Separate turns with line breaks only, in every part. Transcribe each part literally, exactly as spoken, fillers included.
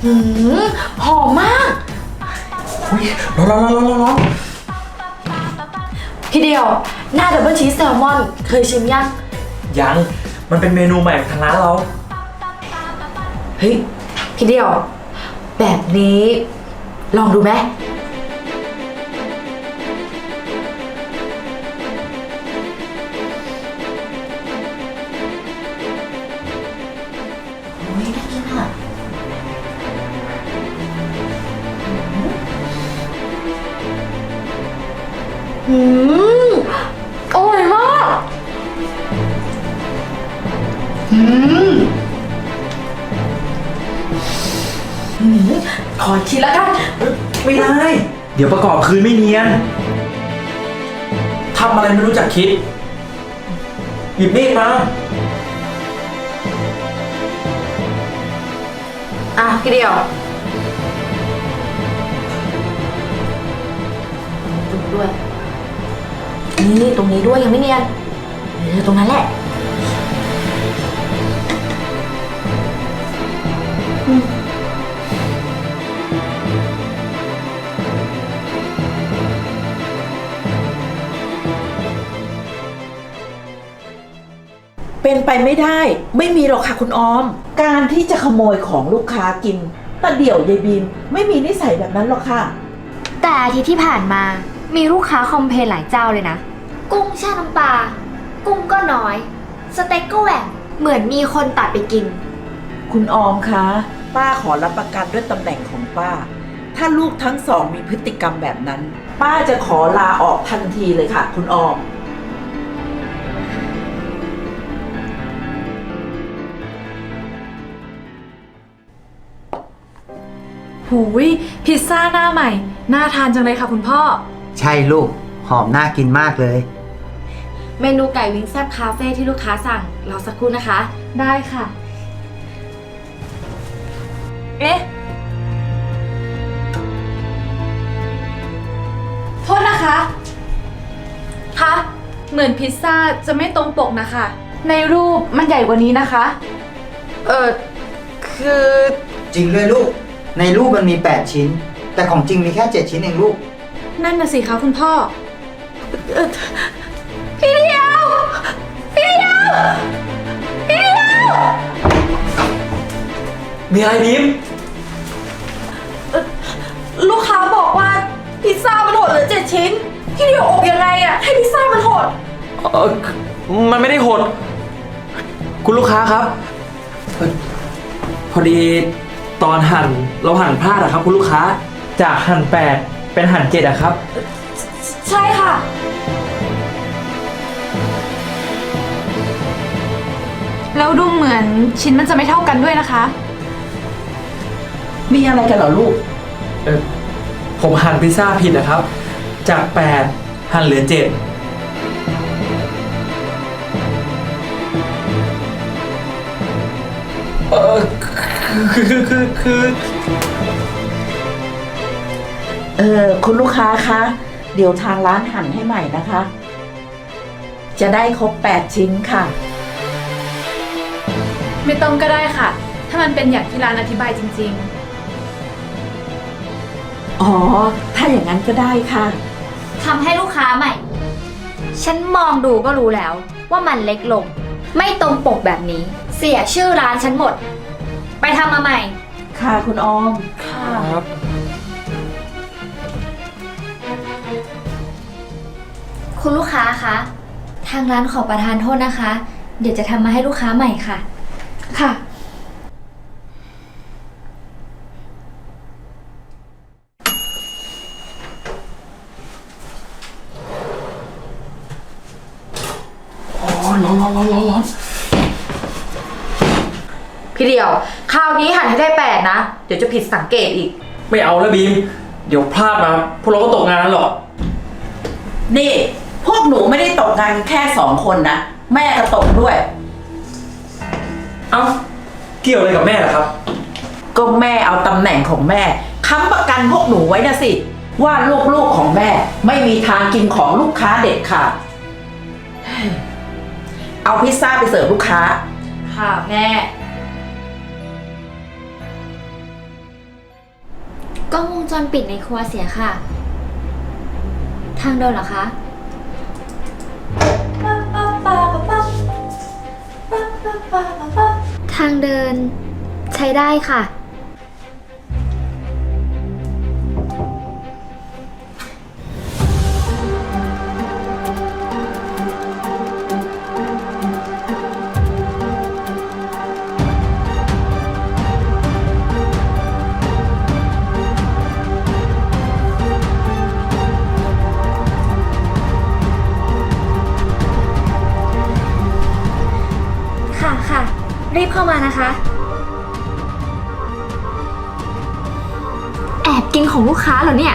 หืมหอมมาก
อุ้ยร้อนร้อนร้อนร้อนร้อน
พี่เดียวหน้าดับเบิลชีสแซลมอนเคยชิมยัง
ยังมันเป็นเมนูใหม่ของทางร้านเรา
เฮ้ยพี่เดียวแบบนี้ลองดูไหมโอ้ยน่ากินอ่ะอืมอร่อยมากอืมอืมขอคิดแล้วกัน
ไม่ได้เดี๋ยวประกอบคืนไม่เนียนทำอะไรไม่รู้จักคิดหยิบมีดมา
อ่ะพี่เดียวจุดด้วยนี่ตรงนี้ด้วยยังไม่เนียนเออตรงนั้นแหละอืม
เป็นไปไม่ได้ไม่มีหรอกค่ะคุณออมการที่จะขโมยของลูกค้ากินตาเดี่ยวยายบีมไม่มีนิสัยแบบนั้นหรอกค่ะ
แต่อาทิตย์ที่ผ่านมามีลูกค้าคอมเพลนหลายเจ้าเลยนะกุ้งแช่น้ำปลากุ้งก็น้อยสเต็กก็แหว่งเหมือนมีคนตัดไปกิน
คุณออมคะป้าขอรับประกันด้วยตำแหน่งของป้าถ้าลูกทั้งสองมีพฤติกรรมแบบนั้นป้าจะขอลาออกทันทีเลยค่ะคุณออม
หูยพิซซ่าหน้าใหม่น่าทานจังเลยค่ะคุณพ่อ
ใช่ลูกหอมน่ากินมากเลย
เมนูไก่วิงแซ่บคาเฟ่ที่ลูกค้าสั่งรอสักครู่นะคะได้ค่ะเอ๊ะโทษนะคะคะเหมือนพิซซ่าจะไม่ตรงปกนะคะในรูปมันใหญ่กว่านี้นะคะเออคือ
จริงด้วยลูกในรูปมันมีแปดชิ้นแต่ของจริงมีแค่เจ็ดชิ้นเองลูก
นั่นน่ะสิคะคุณพ่อเออพี่เดียวพี่เดียวพี่เดียว
มีอะไรบีม
ลูกค้าบอกว่าพิซซ่ามันหดเหลือเจ็ดชิ้นพี่เดียวอบยังไงอะให้พิซซ่ามันหด
เออมันไม่ได้หดคุณลูกค้าครับเอ่อพอดีตอนหั่นเราหั่นพลาดอะครับคุณลูกค้าจากหั่นแปดเป็นหั่นเจ็ดอะครับ
ใช่ค่ะแล้วดูเหมือนชิ้นมันจะไม่เท่ากันด้วยนะคะ
มีอะไรกันเหรอลูก
เออผมหั่นพิซซ่าผิดนะครับจากแปดหั่นเหลือเจ็ดเออคือคือคือคือ
เออคุณลูกค้าคะเดี๋ยวทางร้านหั่นให้ใหม่นะคะจะได้ครบแปดชิ้นค่ะ
ไม่ต้องก็ได้ค่ะถ้ามันเป็นอย่างที่ร้านอธิบายจริง
ๆอ๋อถ้าอย่างนั้นก็ได้ค่ะ
ทำให้ลูกค้าใหม่ฉันมองดูก็รู้แล้วว่ามันเล็กลงไม่ตรงปกแบบนี้เสียชื่อร้านฉันหมดไปทำมาใหม่
ค่ะคุณออมค่ะ
คุณลูกค้าคะทางร้านขอประทานโทษนะคะเดี๋ยวจะทำมาให้ลูกค้าใหม่ค่ะ
ค่ะ
ร้อนร้อนร้อนร้อนร้อน
พี่เดียวคราวนี้หั่นให้ได้แปดนะเดี๋ยวจะผิดสังเกตอีก
ไม่เอาแล้วบีมเดี๋ยวพลาดมาพวกเราก็ตกงานหรอก
นี่พวกหนูไม่ได้ตกงานแค่สองคนนะแม่ก็ตกด้วย
เอ้าเกี่ยวอะไรกับแม่ล่ะครับ
ก็แม่เอาตำแหน่งของแม่ค้ำประกันพวกหนูไว้นะสิว่าลูกๆของแม่ไม่มีทางกินของลูกค้าเด็ดขาดเอาพิซซ่าไปเสิร์ฟลูกค้า
ค่ะแม่
กล้องวงจรปิดในครัวเสียค่ะ ทางเดินเหรอคะ ทางเดินใช้ได้ค่ะ ค่ะค่ะ รีบเข้ามานะคะ แอบกินของลูกค้าเหรอเนี่ย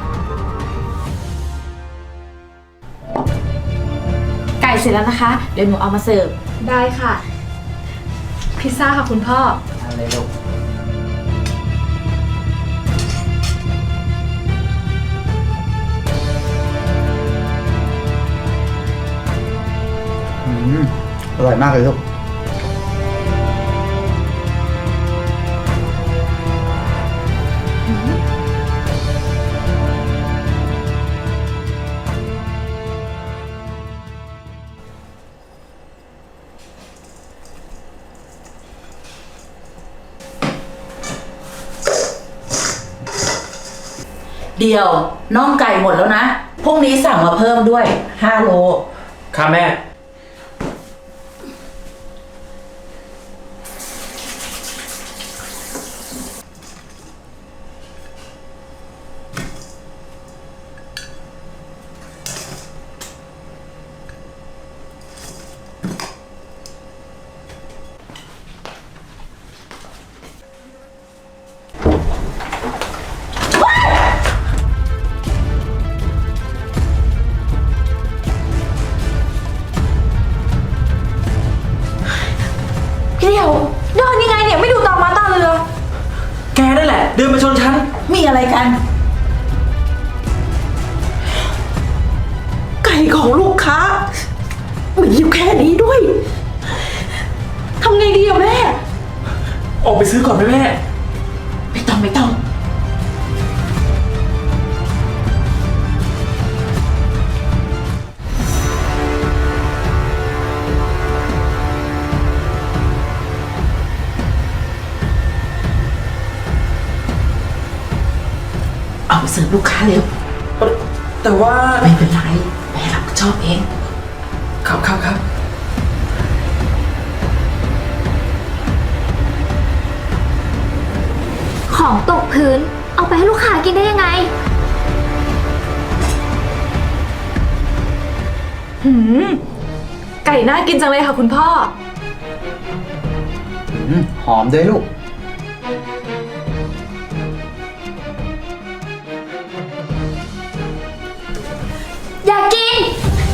ไก่เสร็จแล้วนะคะ เดี๋ยวหนูเอามาเสิร์ฟ ได้ค่ะ พิซซ่าค่ะคุณพ่อ
อะไรลูกอืมอร่อยมากเลยลูก
เดี๋ยวน่องไก่หมดแล้วนะ พรุ่งนี้สั่งมาเพิ่มด้วยห้าโล
ครับแม่
พี่เดียวเดินยังไงเนี่ยไม่ดูตามาตาเรือ
แกนั่นแหละ เดินมาชนฉัน
มีอะไรกัน ไก่ของลูกค้ามีอยู่แค่นี้ด้วย
ทำไงดีอะแม่
ออกไปซื้อก่อนไหมแม่
ไม่ต้องไม่ต้อง เอาไปเสิร์ฟลูกค้าเร็ว
แต่ว่า
ไม่เป็นไร แม่รับผิดชอบเอง
ครับครับครับ
ของตกพื้น เอาไปให้ลูกค้ากินได้ยังไง
หืม ไก่น่ากินจังเลยค่ะคุณพ่อ
อืมหอมด้วยลูก
อยากกิน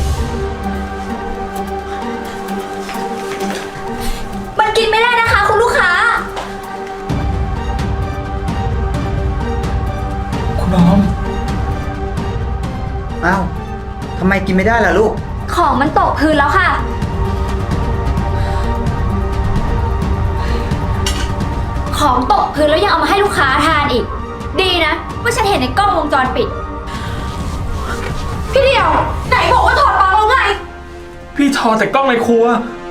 มันกินไม่ได้นะคะคุณลูกค้า
คุณน้อม
อ้าว ทำไมกินไม่ได้ล่ะลูก
ของมันตกพื้นแล้วค่ะ ของตกพื้นแล้วยังเอามาให้ลูกค้าทานอีก ดีนะว่าฉันเห็นในกล้องวงจรปิด
พี่เดียว ไหนบอกว่าถอดปลั๊กแล้วไง
พี่ทอแต่กล้องในครัว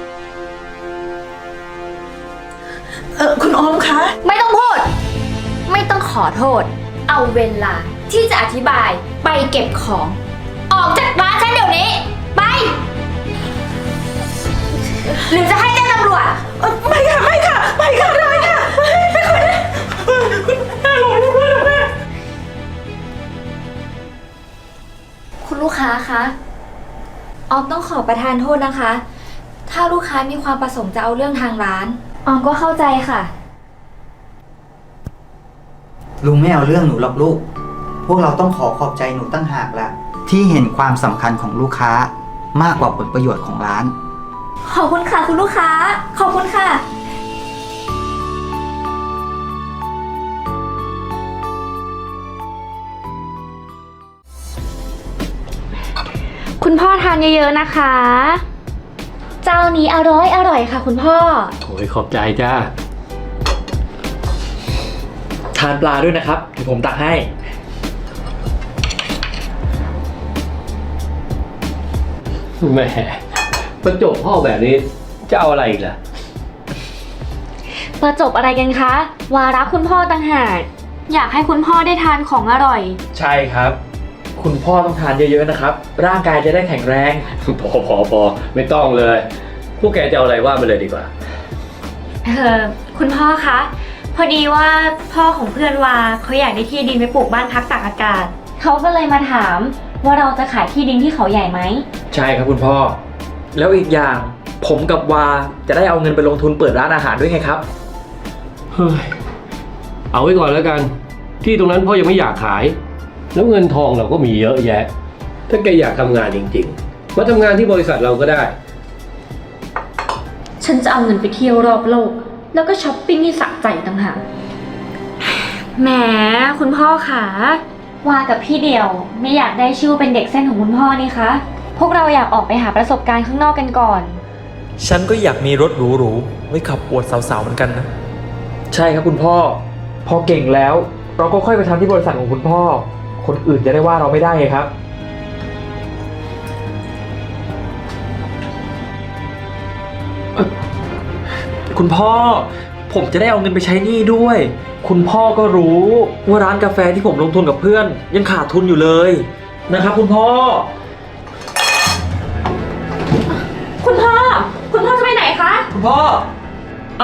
เออคุณออมคะ
ไม่ต้องพูด ไม่ต้องขอโทษ เอาเวลาที่จะอธิบายไปเก็บของ ออกจากร้านฉันเดี๋ยวนี้ ไป หรือจะให้แจ้งตำรวจ
เอ่อไม่ค่ะ ไม่ค่ะ ไม่ค่ะไม่ค่ะไม่ค่ะ
คุณลูกค้าคะ ออมต้องขอประทานโทษนะคะ ถ้าลูกค้ามีความประสงค์จะเอาเรื่องทางร้าน ออมก็เข้าใจค่ะ
ลุงไม่เอาเรื่องหนูหรอกลูก พวกเราต้องขอขอบใจหนูตั้งหากละที่เห็นความสำคัญของลูกค้ามากกว่าผลประโยชน์ของร้าน
ขอบคุณค่ะคุณลูกค้า ขอบคุณค่ะ คุณพ่อทานเยอะๆนะคะ เจ้านี้อร่อยอร่อยค่ะคุณพ่อ
โอ้ยขอบใจจ้า
ท
ทานปลาด้วยนะครับเดี๋ยวผมตักให้
แหมประจบพ่อแบบนี้จะเอาอะไรอีกล่ะ
ประจบอะไรกันคะ วาระคุณพ่อต่างหากอยากให้คุณพ่อได้ทานของอร่อย
ใช่ครับ คุณพ่อต้องทานเยอะๆนะครับ ร่างกายจะได้แข็งแรง
พอพอพอไม่ต้องเลย พวกแกจะเอาอะไรว่ามาเลยดีกว่า
เออคุณพ่อคะ พอดีว่าพ่อของเพื่อนวาเขาอยากได้ที่ดินไปปลูกบ้านพักตากอากาศ เขาก็เลยมาถามว่าเราจะขายที่ดินที่เขาใหญ่ไหม
ใช่ครับคุณพ่อ แล้วอีกอย่างผมกับวาจะได้เอาเงินไปลงทุนเปิดร้านอาหารด้วยไงครับ
เฮ้ย เอาไว้ก่อนแล้วกัน ที่ตรงนั้นพ่อยังไม่อยากขาย แล้วเงินทองเราก็มีเยอะแยะ ถ้าแกอยากทำงานจริงๆ มาทำงานที่บริษัทเราก็ได้
ฉันจะเอาเงินไปเที่ยวรอบโลก แล้วก็ช้อปปิ้งที่สะใจต่างหากแหมคุณพ่อคะวากับพี่เดียวไม่อยากได้ชื่อเป็นเด็กเส้นของคุณพ่อนี่คะพวกเราอยากออกไปหาประสบการณ์ข้างนอกกันก่อน
ฉันก็อยากมีรถหรูๆไว้ขับอวดสาวๆเหมือนกันนะ ใช่ครับคุณพ่อ พอเก่งแล้ว เราก็ค่อยไปทำที่บริษัทของคุณพ่อ คนอื่นจะได้ว่าเราไม่ได้ไงครับ คุณพ่อ ผมจะได้เอาเงินไปใช้หนี้ด้วย คุณพ่อก็รู้ว่าร้านกาแฟที่ผมลงทุนกับเพื่อน ยังขาดทุนอยู่เลยนะครับคุณพ่อ
คุณพ่อ คุณพ่อจะไปไหนคะ
คุณพ่อ เอา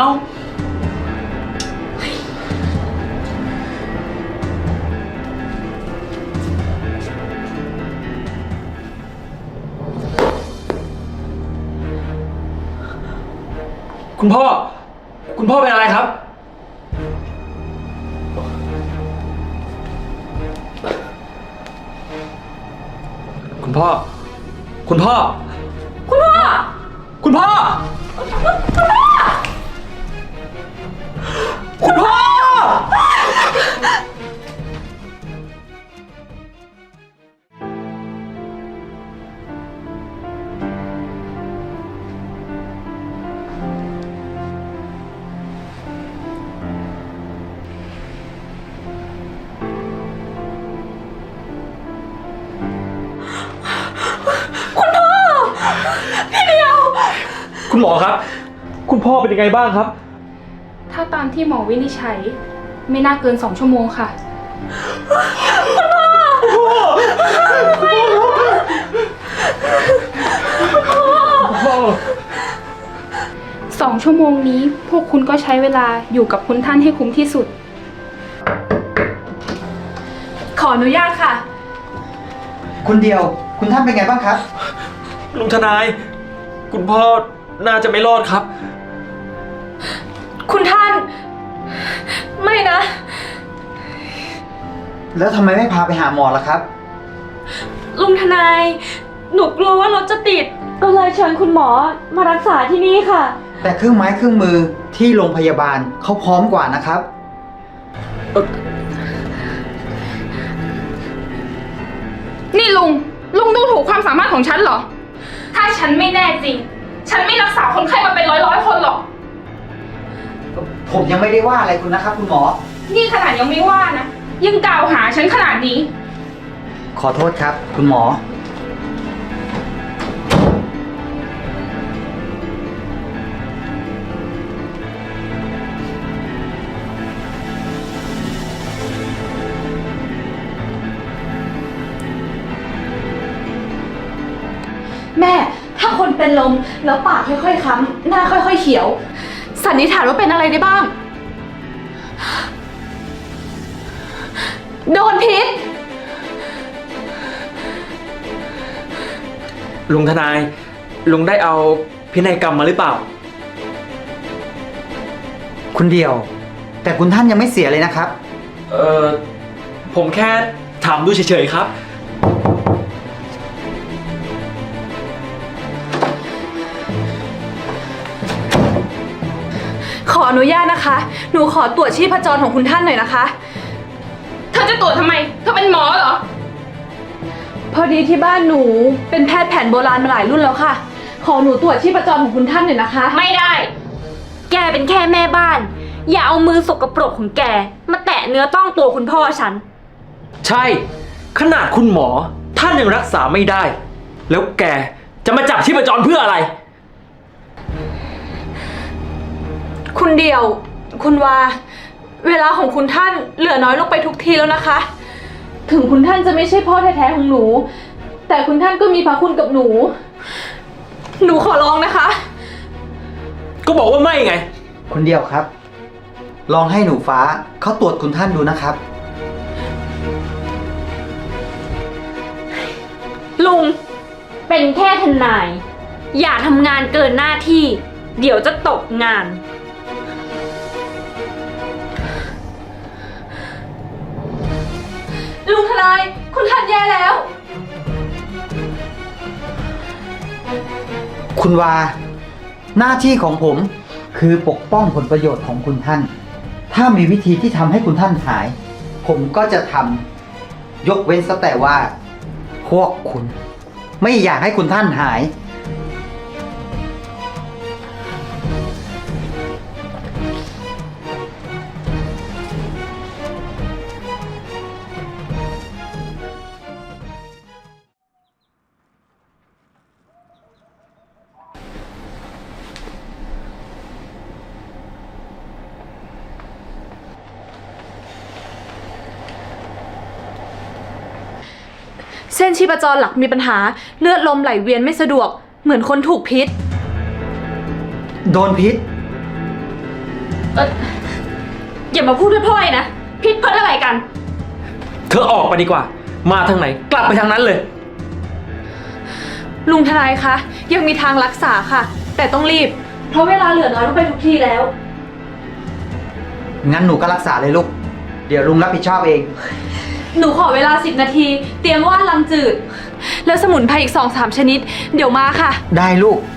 คุณพ่อ คุณพ่อเป็นอะไรครับ คุณพ่อ คุณพ่อ คุณพ่อ คุณพ่อ คุณพ่อ คุณหมอครับ คุณพ่อเป็นยังไงบ้างครับ
ถ้าตามที่หมอวินิจฉัยไม่น่าเกินสองชั่วโมงค่ะ สองชั่วโมงนี้พวกคุณก็ใช้เวลาอยู่กับคุณท่านให้คุ้มที่สุด
ขออนุญาตค่ะ
คุณเดียว คุณท่านเป็นไงบ้างครับ
ลุงทนาย คุณพ่อน่าจะไม่รอดครับ
คุณท่าน ไม่นะ
แล้วทำไมไม่พาไปหาหมอล่ะครับ
ลุงทนาย หนูกลัวว่ารถจะติด ก็เลยเชิญคุณหมอมารักษาที่นี่ค่ะ
แต่เครื่องไม้เครื่องมือที่โรงพยาบาลเขาพร้อมกว่านะครับ
นี่ลุง ลุงดูถูกความสามารถของฉันเหรอ ถ้าฉันไม่แน่จริง ฉันไม่รักษาคนไข้มาเป็นร้อยร้อยๆคนหรอก
ผมยังไม่ได้ว่าอะไรคุณนะครับ คุณหมอ
นี่ขนาดยังไม่ว่านะ ยังกล่าวหาฉันขนาดนี้
ขอโทษครับ คุณหมอ
แม่ ถ้าคนเป็นลมแล้วปากค่อยๆค้ำหน้าค่อยๆเขียว สันนิษฐานว่าเป็นอะไรได้บ้าง โดนพิษ
ลุงทนาย ลุงได้เอาพินัยกรรมมาหรือเปล่า
คุณเดียว แต่คุณท่านยังไม่เสียเลยนะครับ
เออผมแค่ถามดูเฉยๆครับ
ขออนุญาตนะคะ หนูขอตรวจชีพจรของคุณท่านหน่อยนะคะ
เธอจะตรวจทำไม เธอเป็นหมอเหรอ
พอดีที่บ้านหนูเป็นแพทย์แผนโบราณมาหลายรุ่นแล้วค่ะ ขอหนูตรวจชีพจรของคุณท่านหน่อยนะคะ
ไม่ได้ แกเป็นแค่แม่บ้านอย่าเอามือสกปรกของแก มาแตะเนื้อต้องตัวคุณพ่อฉัน
ใช่ ขนาดคุณหมอท่านยังรักษาไม่ได้ แล้วแกจะมาจับชีพจรเพื่ออะไร
คุณเดียว คุณวา เวลาของคุณท่านเหลือน้อยลงไปทุกทีแล้วนะคะ ถึงคุณท่านจะไม่ใช่พ่อแท้ๆของหนู แต่คุณท่านก็มีพระคุณกับหนู หนูขอร้องนะคะ
ก็บอกว่าไม่ไง
คนเดียวครับ ลองให้หนูฟ้าเขาตรวจคุณท่านดูนะครับ
ลุง เป็นแค่ทนาย อย่าทำงานเกินหน้าที่ เดี๋ยวจะตกงาน
ลุงทนาย คุณท่านแย่แล้ว
คุณวา หน้าที่ของผมคือปกป้องผลประโยชน์ของคุณท่าน ถ้ามีวิธีที่ทำให้คุณท่านหาย ผมก็จะทำยกเว้นซะแต่ว่า พวกคุณ ไม่อยากให้คุณท่านหาย
เส้นชีพจรหลักมีปัญหา เลือดลมไหลเวียนไม่สะดวก เหมือนคนถูกพิษ
โดนพิษ
เอออย่ามาพูดพล่อยๆนะ พิษเพิ่อะไรกัน
เธอออกไปดีกว่า มาทางไหน กลับไปทางนั้นเลย
ลุงทนายคะ ยังมีทางรักษาค่ะ แต่ต้องรีบ เพราะเวลาเหลือน้อยลงไปทุกทีแล้ว
งั้นหนูก็รักษาเลยลูก เดี๋ยวลุงรับผิดชอบเอง
หนูขอเวลาสิบนาที เตรียมว่านลำจืด แล้วสมุนไพรอีกสองสามชนิด เดี๋ยวมาค่ะ
ได้ลูก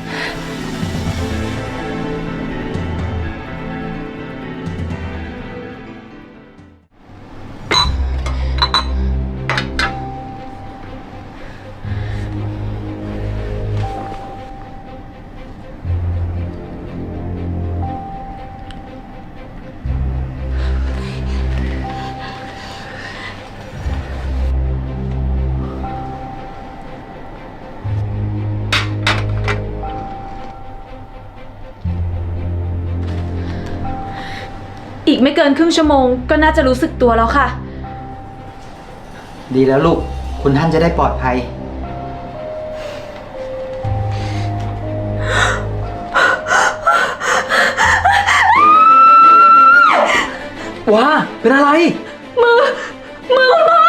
อีกไม่เกินครึ่งชั่วโมงก็น่าจะรู้สึกตัวแล้วค่ะ
ดีแล้วลูก คุณท่านจะได้ปลอดภัย
ว้า เป็นอะไร
มือ มือคุณพ่อ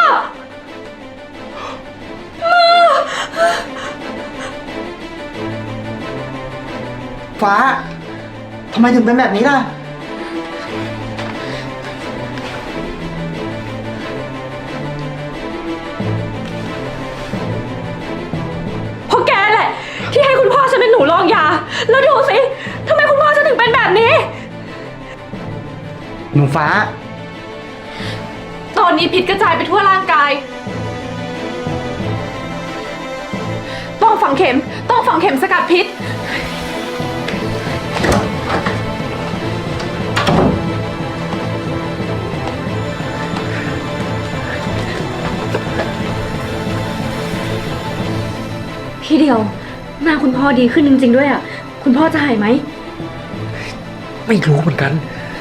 ฟ้า ทำไมถึงเป็นแบบนี้ล่ะ
เพราะแกแหละ ที่ให้คุณพ่อฉันเป็นหนูรองยา แล้วดูสิทำไมคุณพ่อฉันถึงเป็นแบบนี้
หนูฟ้า
ตอนนี้พิษกระจายไปทั่วร่างกาย ต้องฝังเข็ม ต้องฝังเข็มสกัดพิษ
พี่เดียว หน้าคุณพ่อดีขึ้นจริงๆด้วยอ่ะ คุณพ่อจะหายไหม
ไม่รู้เหมือนกัน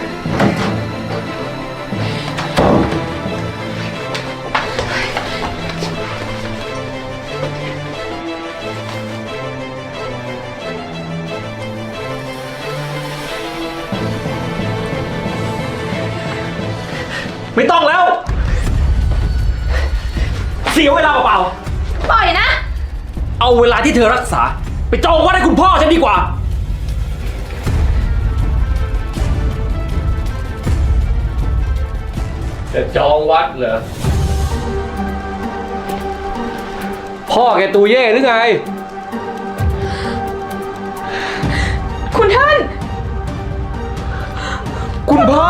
ไม่ต้องแล้ว เสียเวลาเปล่า
ปล่อยนะ
ๆเอาเวลาที่เธอรักษา ไปจองวัดให้คุณพ่อฉันดีกว่า
จะจองวัดเหรอ พ่อแกตัวเย่หรือไง
คุณท่าน
คุณพ่อ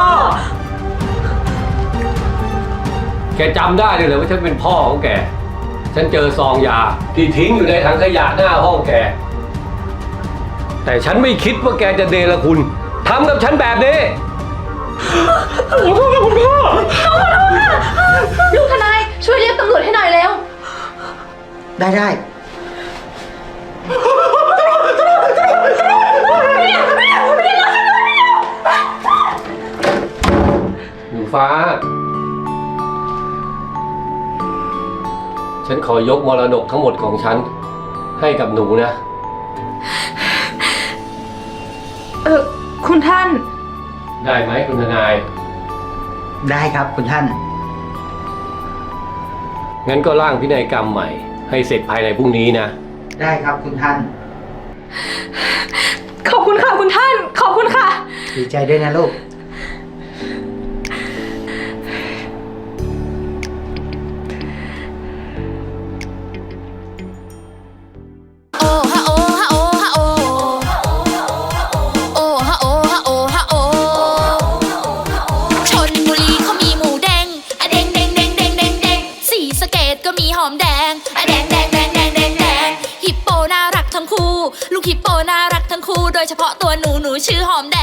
แกจำได้เลยเหรอว่าฉันเป็นพ่อของแก ฉันเจอซองยาที่ทิ้งอยู่ในถังขยะหน้าห้องแก แต่ฉันไม่คิดว่าแกจะเดรคุณทำกับฉันแบบนี้
ลูกทนายช่วยเรียกตำรวจให้หน่อยเร็ว
ได้ได้
หนูฟ้า ฉันขอยกมรดกทั้งหมดของฉัน ให้กับหนูนะ
เออคุณท่าน
ได้ไหมคุณทนาย
ได้ครับคุณท่าน
งั้นก็ร่างพินัยกรรมใหม่ ให้เสร็จภายในพรุ่งนี้นะ
ได้ครับคุณท่าน
ขอบคุณค่ะคุณท่าน ขอบคุณค่ะ
ดีใจด้วยนะลูก
โอ้ฮะโอ้ฮะโอ้ฮะโอ้โอ้ฮะโอ้ฮะโอ้ฮะโอ้ชลบุรีเขามีหมูแดงอะแดงแดงแดงแดงแดงแดงศรีสะเกษก็มีหอมแดงอะแดงแดงแดงแดงแดงแดงฮิปโปน่ารักทั้งคู่ ลูกฮิปโปน่ารักทั้งคู่ โดยเฉพาะตัวหนูหนูชื่อหอมแด